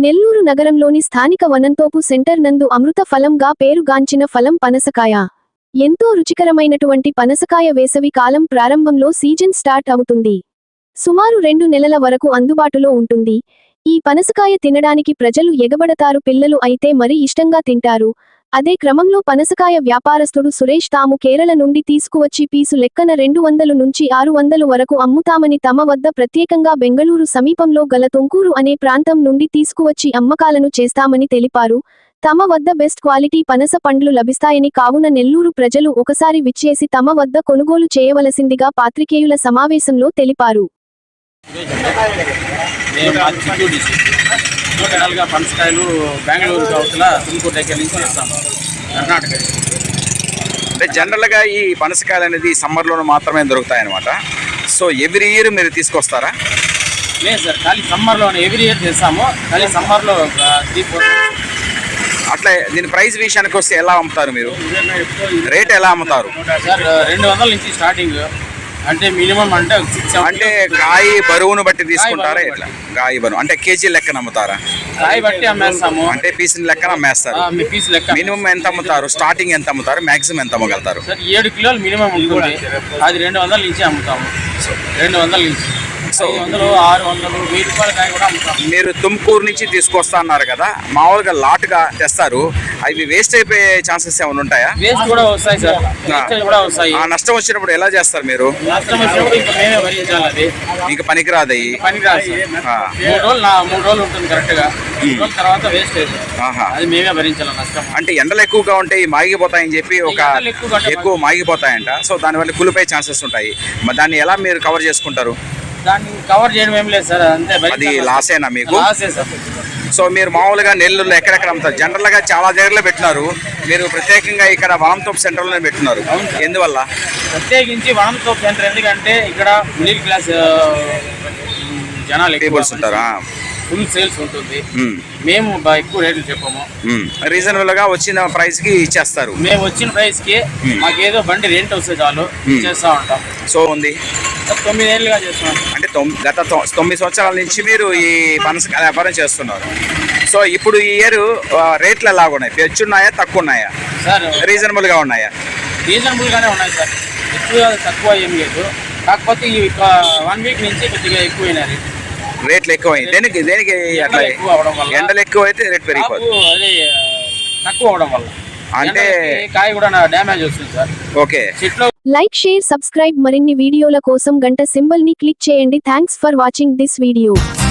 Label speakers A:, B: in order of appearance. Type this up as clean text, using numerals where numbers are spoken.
A: నెల్లూరు నగరంలోని స్థానిక వనంతోపు సెంటర్ నందు అమృత ఫలంగా పేరుగాంచిన ఫలం పనసకాయ. ఎంతో రుచికరమైనటువంటి పనసకాయ వేసవి కాలం ప్రారంభంలో సీజన్ స్టార్ట్ అవుతుంది. సుమారు 2 నెలల వరకు అందుబాటులో ఉంటుంది. ఈ పనసకాయ తినడానికి ప్రజలు ఎగబడతారు. పిల్లలు అయితే మరి ఇష్టంగా తింటారు. అదే క్రమంలో పనసకాయ వ్యాపారస్తుడు సురేష్ తాము కేరళ నుండి తీసుకువచ్చి పీసు లెక్కన 200 నుంచి 600 వరకు అమ్ముతామని తమ వద్ద ప్రత్యేకంగా బెంగళూరు సమీపంలో గల తొంకూరు అనే ప్రాంతం నుండి తీసుకువచ్చి అమ్మకాలను చేస్తామని తెలిపారు. తమ వద్ద బెస్ట్ క్వాలిటీ పనస పండ్లు లభిస్తాయని కావున నెల్లూరు ప్రజలు ఒకసారి విచ్చేసి తమ వద్ద కొనుగోలు చేయవలసిందిగా పాత్రికేయుల సమావేశంలో తెలిపారు.
B: పనసకాయలు బెంగళూరు అవతల తుమ్కూరు దగ్గర నుంచి తెస్తాము, కర్ణాటక.
C: అంటే జనరల్గా ఈ పనసకాయలు అనేది సమ్మర్లో మాత్రమే దొరుకుతాయి అన్నమాట. సో ఎవ్రీ ఇయర్ మీరు తీసుకొస్తారా?
B: లేదు సార్, ఖాళీ సమ్మర్లోనే ఎవ్రీ ఇయర్ చేస్తాము. ఖాళీ సమ్మర్లో 3-4
C: అట్లా. దీని ప్రైస్ విషయానికి వస్తే ఎలా అమ్ముతారు మీరు? రేట్ ఎలా అమ్ముతారు
B: సార్? 200 నుంచి స్టార్టింగ్. అంటే మినిమం అంటే 6-7.
C: అంటే కాయ బరువును బట్టి తీసుకుంటారా? ఎట్లా కాయ బరువు అంటే కేజీ లెక్కన అమ్ముతారా?
B: కాయ బట్టి అమ్మేస్తాము.
C: అంటే పీసుని లెక్కన అమ్మేస్తారు.
B: పీస్ లెక్క.
C: మినిమం ఎంత అమ్ముతారు? స్టార్టింగ్ ఎంత అమ్ముతారు? మాక్సిమం ఎంత అమ్మగలుగుతారు?
B: సార్ 7 కిలోలు మినిమం ఉంటుంది. అది 200 నుంచి అమ్ముతాము. 200 నుంచి 500, 600, 1000 రూపాయల కాయ కూడా అమ్ముతాము.
C: మీరు తుమ్కూరు నుంచి తీసుకొస్తా అన్నారు కదా, మామూలుగా లాట్గా తెస్తారు. అవి వేస్ట్ అయిపోయే ఛాన్సెస్ ఏమైనా ఉంటాయా?
B: వేస్ట్ కూడా వస్తాయి సార్, వేస్టేజ్ కూడా వస్తాయి.
C: ఆ నష్టం వచ్చినప్పుడు ఎలా చేస్తారు మీరు?
B: నష్టం వచ్చినప్పుడు ఇంకా మేమే భరించాలి. అది
C: మీకు పనికిరాదు.
B: పనికిరాదు. 3 రోజులు ఉంటుంది కరెక్ట్గా. 3 రోజుల తర్వాత వేస్టేజ్ అది మేమే భరించాలి నష్టం.
C: అంటే ఎండలు ఎక్కువగా ఉంటాయి, మాగిపోతాయని చెప్పి ఎక్కువ మాగిపోతాయంట. సో దానివల్ల కులిపోయే ఛాన్సెస్ ఉంటాయి. మరి దాన్ని ఎలా మీరు కవర్ చేసుకుంటారు?
B: దాన్ని కవర్ చేయడం ఏం లేదు సార్, అంతే.
C: అది లాసేనా మీకు?
B: లాసే సార్.
C: సో మీరు మామూలుగా నెల్లూరులో ఎక్కడెక్కడ అమ్ముతారు? జనరల్గా చాలా దగ్గరలో పెట్టినారు, మీరు ప్రత్యేకంగా ఇక్కడ వనంతోపు సెంటర్లోనే పెట్టినారు. ఎందువల్ల?
B: ప్రత్యేకించి వనంతోపు సెంటర్ ఎందుకంటే ఇక్కడ మిడిల్ క్లాస్ జనాలు
C: పీపుల్స్ ఉంటారా?
B: ఫుల్ సేల్స్ ఉంటుంది. మేము ఎక్కువ రేట్లు చెప్పము.
C: రీజనబుల్ గా వచ్చిన ప్రైస్ కి ఇచ్చేస్తారు.
B: మేము వచ్చిన ప్రైస్ కి మాకు ఏదో బండి రెంట్ వస్తే చాలు చేస్తా ఉంటాం.
C: సో ఉంది
B: 9 ఏళ్ళుగా చేస్తున్నాం.
C: అంటే గత 9 సంవత్సరాల నుంచి మీరు ఈ పనసకాయ వ్యాపారం చేస్తున్నారు. సో ఇప్పుడు ఈ ఇయర్ రేట్లు ఎలా ఉన్నాయి? పెంచున్నాయా, తక్కువ ఉన్నాయా?
B: సార్
C: రీజనబుల్ గా ఉన్నాయా?
B: రీజనబుల్ గానే ఉన్నాయి సార్, ఎక్కువ తక్కువ ఏం లేదు. కాకపోతే ఈ 1 వీక్ నుంచి కొద్దిగా ఎక్కువైనాయి
C: రేట్లు. ఎక్కువైంది దేనికి? అట్లా ఎండలు ఎక్కువ అయితే రేట్ పెరిగిపోతుంది.
B: అదే తక్కువ అవడం వల్ల
C: అంటే
B: కాయ కూడా డ్యామేజ్ వస్తుంది sir.
C: Okay.
A: Like, share, subscribe. మరిన్ని వీడియోల కోసం గంట సింబల్ ని క్లిక్ చేయండి. Thanks for watching this video.